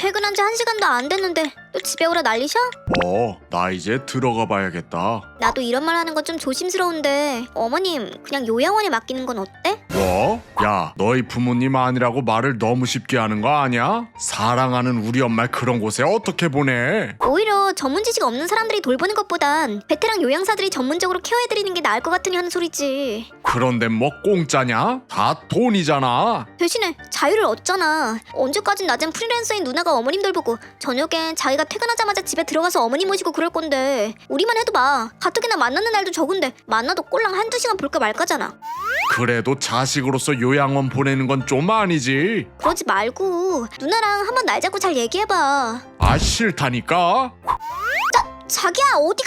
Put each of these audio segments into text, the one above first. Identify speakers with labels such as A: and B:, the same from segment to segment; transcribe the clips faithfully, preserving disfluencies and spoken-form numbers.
A: 퇴근한 지 한 시간도 안 됐는데 또 집에 오라 난리셔?
B: 어, 나 이제 들어가 봐야겠다.
A: 나도 이런 말 하는 건 좀 조심스러운데 어머님 그냥 요양원에 맡기는 건 어때?
B: 뭐? 야, 너희 부모님 아니라고 말을 너무 쉽게 하는 거 아니야? 사랑하는 우리 엄마를 그런 곳에 어떻게 보내?
A: 오히려 전문 지식 없는 사람들이 돌보는 것보단 베테랑 요양사들이 전문적으로 케어해드리는 게 나을 것 같으니 하는 소리지.
B: 그런데 뭐 공짜냐? 다 돈이잖아.
A: 대신에 자유를 얻잖아. 언제까진 낮엔 프리랜서인 누나가 어머님 돌보고 저녁엔 자기가 퇴근하자마자 집에 들어가서 어머니 모시고 그럴 건데 우리만 해도 봐. 가뜩이나 만나는 날도 적은데 만나도 꼴랑 한두 시간 볼까 말까잖아.
B: 그래도 자식으로서 요양원 보내는 건 좀 아니지.
A: 그러지 말고 누나랑 한번 날 잡고 잘 얘기해봐.
B: 아, 싫다니까.
A: 자기야 어디가?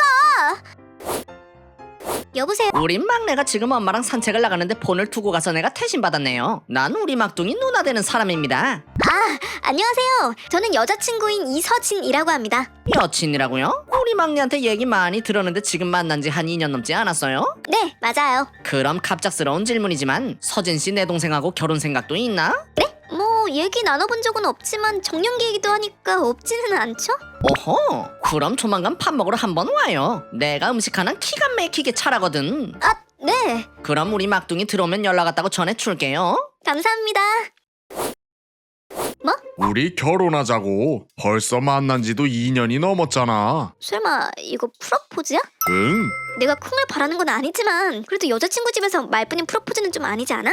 A: 여보세요?
C: 우리 막내가 지금 엄마랑 산책을 나가는데 폰을 두고 가서 내가 태신 받았네요. 난 우리 막둥이 누나 되는 사람입니다.
A: 아 안녕하세요. 저는 여자친구인 이서진이라고 합니다.
C: 여친이라고요? 우리 막내한테 얘기 많이 들었는데 지금 만난 지 한 이 년 넘지 않았어요?
A: 네 맞아요.
C: 그럼 갑작스러운 질문이지만 서진 씨 내 동생하고 결혼 생각도 있나?
A: 뭐 얘기 나눠본 적은 없지만 정년기 얘기도 하니까 없지는 않죠?
C: 오호, 그럼 조만간 밥 먹으러 한번 와요. 내가 음식 하나 기가 막히게 잘하거든.
A: 아 네
C: 그럼 우리 막둥이 들어오면 연락 왔다고 전해줄게요.
A: 감사합니다. 뭐?
B: 우리 결혼하자고. 벌써 만난 지도 이 년이 넘었잖아.
A: 설마 이거 프로포즈야?
B: 응?
A: 내가 쿵을 바라는 건 아니지만 그래도 여자친구 집에서 말뿐인 프로포즈는 좀 아니지 않아?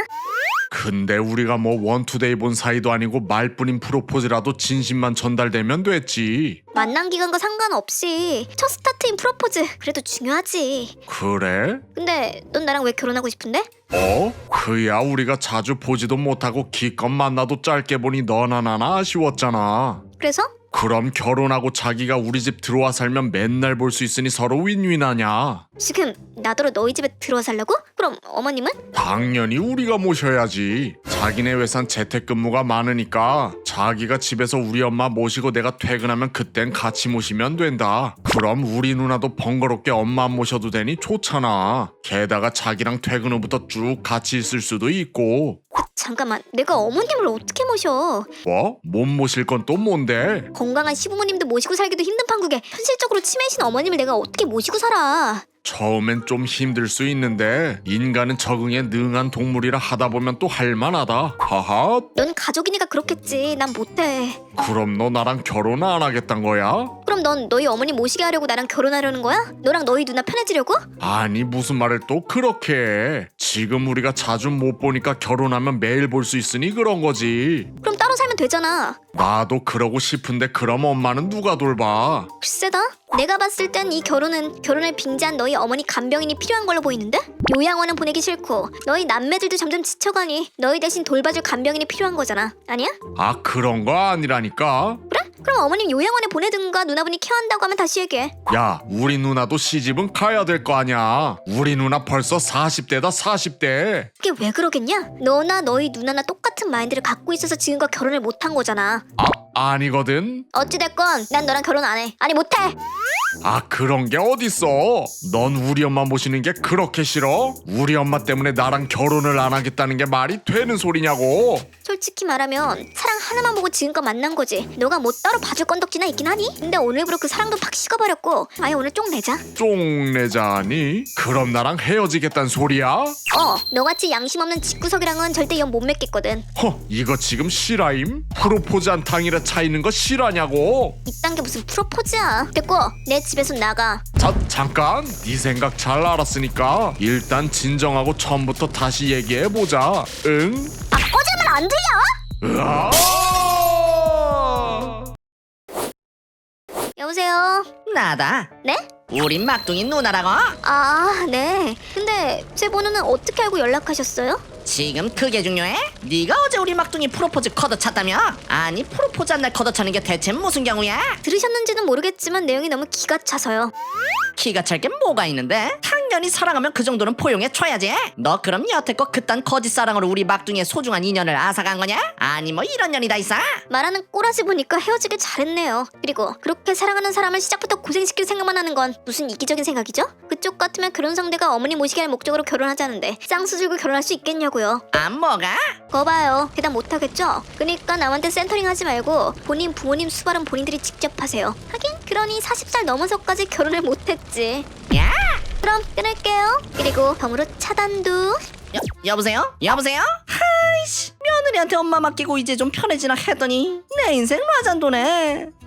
B: 근데 우리가 뭐 원투데이 본 사이도 아니고 말뿐인 프로포즈라도 진심만 전달되면 됐지.
A: 만난 기간과 상관없이 첫 스타트인 프로포즈 그래도 중요하지.
B: 그래?
A: 근데 넌 나랑 왜 결혼하고 싶은데?
B: 어? 그야 우리가 자주 보지도 못하고 기껏 만나도 짧게 보니 너나 나나 아쉬웠잖아.
A: 그래서?
B: 그럼 결혼하고 자기가 우리 집 들어와 살면 맨날 볼 수 있으니 서로 윈윈 아냐?
A: 지금 나더러 너희 집에 들어와 살라고? 그럼 어머님은?
B: 당연히 우리가 모셔야지. 자기네 회사는 재택근무가 많으니까 자기가 집에서 우리 엄마 모시고 내가 퇴근하면 그땐 같이 모시면 된다. 그럼 우리 누나도 번거롭게 엄마 안 모셔도 되니 좋잖아. 게다가 자기랑 퇴근 후부터 쭉 같이 있을 수도 있고.
A: 잠깐만 내가 어머님을 어떻게 모셔?
B: 뭐? 못 모실 건 또 뭔데?
A: 건강한 시부모님도 모시고 살기도 힘든 판국에 현실적으로 치매이신 어머님을 내가 어떻게 모시고 살아?
B: 처음엔 좀 힘들 수 있는데 인간은 적응에 능한 동물이라 하다 보면 또 할만하다. 하하.
A: 넌 가족이니까 그렇겠지. 난 못해.
B: 그럼 너 나랑 결혼 안 하겠단 거야?
A: 그럼 넌 너희 어머니 모시게 하려고 나랑 결혼하려는 거야? 너랑 너희 누나 편해지려고?
B: 아니 무슨 말을 또 그렇게 해. 지금 우리가 자주 못 보니까 결혼하면 매일 볼 수 있으니 그런 거지.
A: 그럼 따로 살면 되잖아.
B: 나도 그러고 싶은데 그럼 엄마는 누가 돌봐?
A: 글쎄다. 내가 봤을 땐 이 결혼은 결혼을 빙자한 너희 어머니 간병인이 필요한 걸로 보이는데? 요양원은 보내기 싫고 너희 남매들도 점점 지쳐가니 너희 대신 돌봐줄 간병인이 필요한 거잖아. 아니야?
B: 아 그런 거 아니라니까.
A: 그래? 그럼 어머님 요양원에 보내든가 누나분이 케어한다고 하면 다시 얘기해.
B: 야 우리 누나도 시집은 가야 될 거 아니야. 우리 누나 벌써 사십 대다 사십 대.
A: 그게 왜 그러겠냐? 너나 너희 누나나 똑같은 마인드를 갖고 있어서 지금껏 결혼을 못한 거잖아.
B: 아 아니거든.
A: 어찌됐건 난 너랑 결혼 안 해. 아니 못해.
B: 아 그런 게 어딨어. 넌 우리 엄마 모시는 게 그렇게 싫어? 우리 엄마 때문에 나랑 결혼을 안 하겠다는 게 말이 되는 소리냐고.
A: 솔직히 말하면 사랑 하나만 보고 지금껏 만난 거지. 너가 뭐 따로 봐줄 건덕지나 있긴 하니? 근데 오늘부로 그 사랑도 팍 식어버렸고 아예 오늘 쪽 내자.
B: 쪽내자니? 그럼 나랑 헤어지겠단 소리야?
A: 어 너같이 양심 없는 집구석이랑은 절대 연 못 맺겠거든.
B: 허 이거 지금 실화임? 프로포즈 한 탕이라 차이는 거 실화냐고?
A: 이딴 게 무슨 프로포즈야. 됐고 내 집에서 나가.
B: 자 잠깐 네 생각 잘 알았으니까 일단 진정하고 처음부터 다시 얘기해보자. 응?
A: 아 꺼지면 안 들려?
B: 으아!
A: 여보세요?
C: 나다.
A: 네?
C: 우리 막둥이 누나라고?
A: 아 네. 근데 제 번호는 어떻게 알고 연락하셨어요?
C: 지금 그게 중요해? 네가 어제 우리 막둥이 프로포즈 걷어찼다며? 아니 프로포즈 한 날 걷어차는 게 대체 무슨 경우야?
A: 들으셨는지는 모르겠지만 내용이 너무 기가 차서요.
C: 기가 찰 게 뭐가 있는데? 당연히 인연이 사랑하면 그 정도는 포용해줘야지. 너 그럼 여태껏 그딴 거짓 사랑으로 우리 막둥이의 소중한 인연을 앗아간 거냐? 아니 뭐 이런 년이 다 있어?
A: 말하는 꼬라지 보니까 헤어지길 잘했네요. 그리고 그렇게 사랑하는 사람을 시작부터 고생시킬 생각만 하는 건 무슨 이기적인 생각이죠? 그쪽 같으면 그런 상대가 어머니 모시게 할 목적으로 결혼하자는데 쌍수 들고 결혼할 수 있겠냐고요.
C: 아 뭐가?
A: 거 봐요. 대답 못하겠죠? 그니까 남한테 센터링 하지 말고 본인 부모님 수발은 본인들이 직접 하세요. 하긴 그러니 마흔 살 넘어서까지 결혼을 못했지.
C: 야!
A: 그럼 끊을게요. 그리고 덤으로 차단도.
C: 여, 여보세요? 여보세요? 하이씨 며느리한테 엄마 맡기고 이제 좀 편해지나 했더니 내 인생 마잔도네.